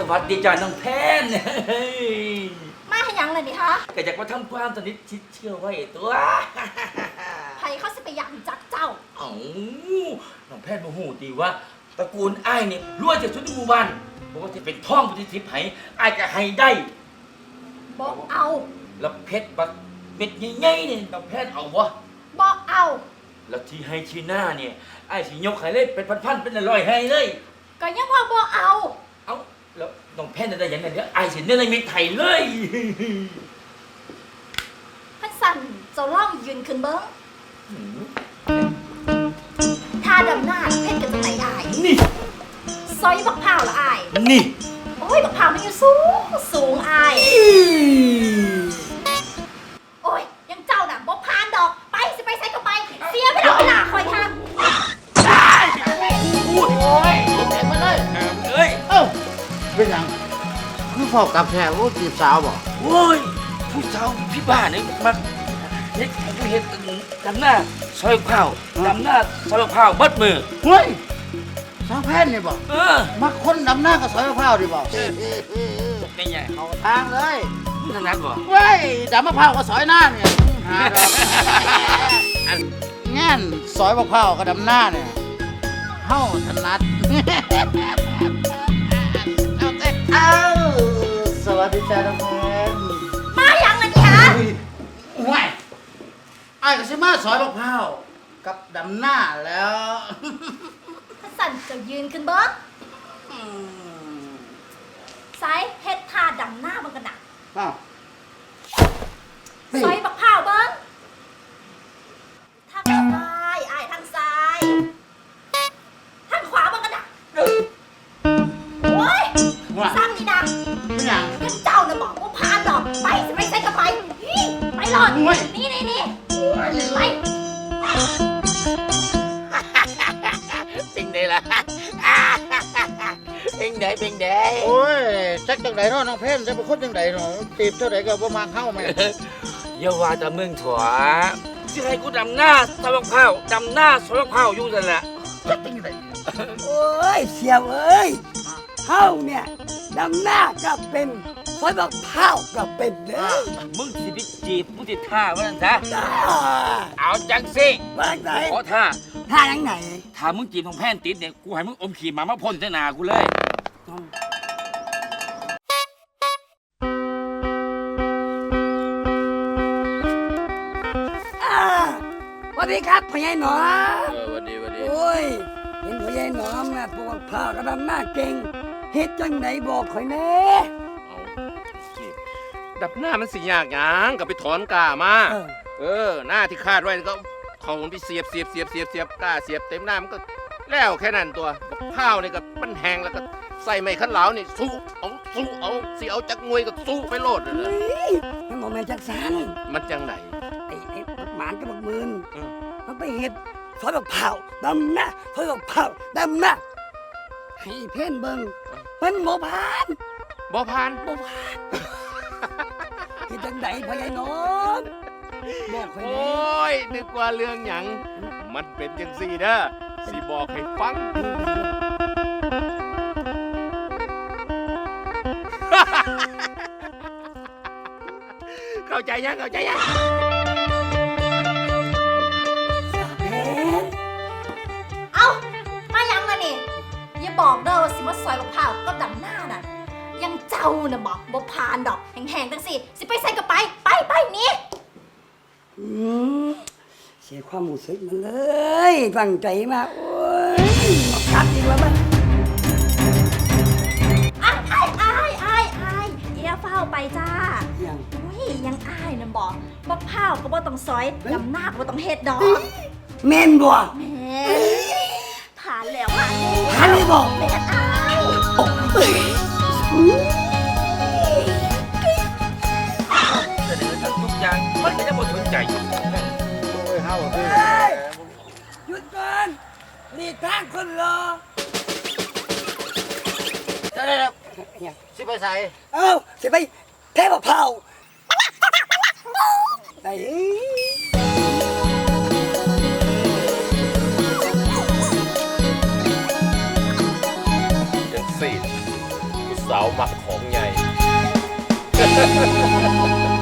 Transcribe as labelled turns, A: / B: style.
A: วัสดีจ้าน้องแพน
B: มาให้ยังเลยนี่คะ
A: ก็อยากมาทำความสนิทชิดเชื่อไว้ตัว
B: ไผเขาสิไปอยากจักเจ้า
A: เอ้าน้องแพนโมโหดีว่าตระกูลอ้ายเนี่ยรวยจากชุดในหมู่บ้านบอกว่าจะเป็นท่องปฏิทินไผ่อ้ายก็ให้ได้
B: บอกเอา
A: แล้วเพชรบักเม็ดใหญ่ๆเนี่ยน้องแพนเอาวะ
B: บอกเอา
A: แล้วที่ให้ชีหน้าเนี่ยอ้ายสิยกให้เลยเป็นพันๆเป็นร้อยให้เลย
B: ก็ยังว่าบอกเอา
A: แล้วน้องแพนได้ยังไงเนี่ยไอ้สิเนี่ยในเมืองไทยเลย
B: พันสั่นเจ้าล่องยืนขึ้นเบิ้งท่าดำหน้าเพชรกันจังไหนได้
A: นี่
B: ซอยบักพร้าวละอาย
A: นี่
B: โอ้ยบักพร้าวมันอยู่สูงสูงอายโอ้ยยังเจ้าน่ะบ่พานดอกไปสิไปใส่ก็ไปเสียไม่ได้เวลาคอยทาง
A: ได้พูดโอ้ยเด็กมาเลยเอ้ย
C: เป็นยังคือฟอกกับแท้โอ้จีบสาวบอก
A: โอ้ยผู้สาวพี่บ้าเนี่ยมาเฮ็ดดำหน้าซอยข้าวดำหน้าซอยข้าวบัดมือ
C: เฮ้ยสาวแพนนี่บอกมาคนดำหน้ากับซอยมะพร้าวดิบอก
A: เป็นไง
C: เอาทางเลย
A: ถนัดบ่
C: เว้ยดำมะพร้าวกับซอยหน้าเนี่ยงั้นซอยมะพร้าวกับดำหน้าเนี่ยเฮ้าถนัดเอาสวัสดีจ้าน้องแพน
B: มาอย่างไรนี่ฮะ
C: ว้ายไอ้ก็สิมาซอยมะพร้าวกับดำหน้าแล้ว
B: พันสั่นจะยืนขึ้นเบิ้งไซเฮ็ดท่าดำหน้ามันกันหนักซอยบักพร้าวเบิ้งทางซ้ายอ้ายทางซ้ายทางขวามันกันหนักโอ้ยซ้ำนี่นะยังเจ้าน่ะบอกว่าพานดอกไปสิไปใส่กับไปไปหลอดนี่ไป
A: เป็นไงล่ะเป็นไง
C: โอ้ยจักจังไดเนาะน้องเพนจะเป็นคนจังไดเนาะจีบเท่าไดก็บ่มาเข้าแม่
A: อย่าว่าแต่เมืองถั่วสิให้กูดำหน้าซอยข้าวดำหน้าซอยข้าวอยู่นั่นแหละ
C: จักจังได
D: โอ้ยเสียวเอ้ยเฮาเนี่ยดำหน้าก็เป็นซอยบักพร้าวก็เป็นเด้อ
A: มึงสิไปจีบมึงสิท่าว่านั่นซะเอาจังสิ
D: ว่าไหน
A: ขอท่า
D: ยังไหน
A: ถ้ามึงจีบของแพนติดเนี่ยกูให้มึงอมขี่หมาพ่นใส่หน้ากูเลย
D: สวัสดีครับพ่อใหญ่หนอม
A: สวัสดี
D: โอ้ยเห็นพ่อใหญ่หนอมนะปลูกข้าวกระดำหน้าเก่งเฮ็ดจังไหนบอกข่อยแน่
E: ดับหน้ามันสิยากหยังก็ไปถอนกามาหน้าที่คาดไว้ก็เขาไปเสียบกาเสียบเต็มหน้ามันก็แล้วแค่นั้นตัวข้าวนี่ก็มันแห้งแล้วก็ใส่ไม้ขันเหลานี่สู้เอาสิเอาจักงวยก็สู้ไปโลดเลย
D: มันบอกแม่จักสัน
E: มันจังไหน
D: ไอ้หมานกับบักมืนมันไปเฮ็ดซอยบักพร้าวดำหน้าซอยบักพร้าวดำหน้าให้เพ่นเบิ่งมันบ่ผ่านเฮ็ดจังไดพ่อใหญ่หนอมบอกข่อย
E: โอ้ยนึกว่าเรื่องหยังมันเป็นจังซี่เด้อสิบอกให้ฟังเข้าใจยัง
B: เอ้ามายังมานี่อย่าบอกเด้อว่าสิมาซอยบักพร้าวก็ดำหน้าน่ะยังเจ้าน่ะบอกบ่พานดอกแห้งๆจังสิไปใส่กับไปนี่
D: เสียความรู้สึกมันเลยตั้งใจมาโอ้ยคัดอีกแล้วมั้ย
B: อ้ายอย่าเฝ้าไปจ้ายังอ้ายนะบอกบักพร้าวก็บ่ต้องซอยดำหน้าก็บ่ต้องเฮ็ดดอก
D: แม่นบ่
B: แม่ผ่านแล้ว
D: ผ่านเลยบ่
B: แม่อ้าย
A: เสนอทุกอย่างมันก็จะบ่สนใจ
D: หยุดก่อนนี่ทางคนรอ
C: ได้สิไปใส่
D: สิไปแทะมะพร้าวไอ้
E: จังซี่สาวมักของใหญ่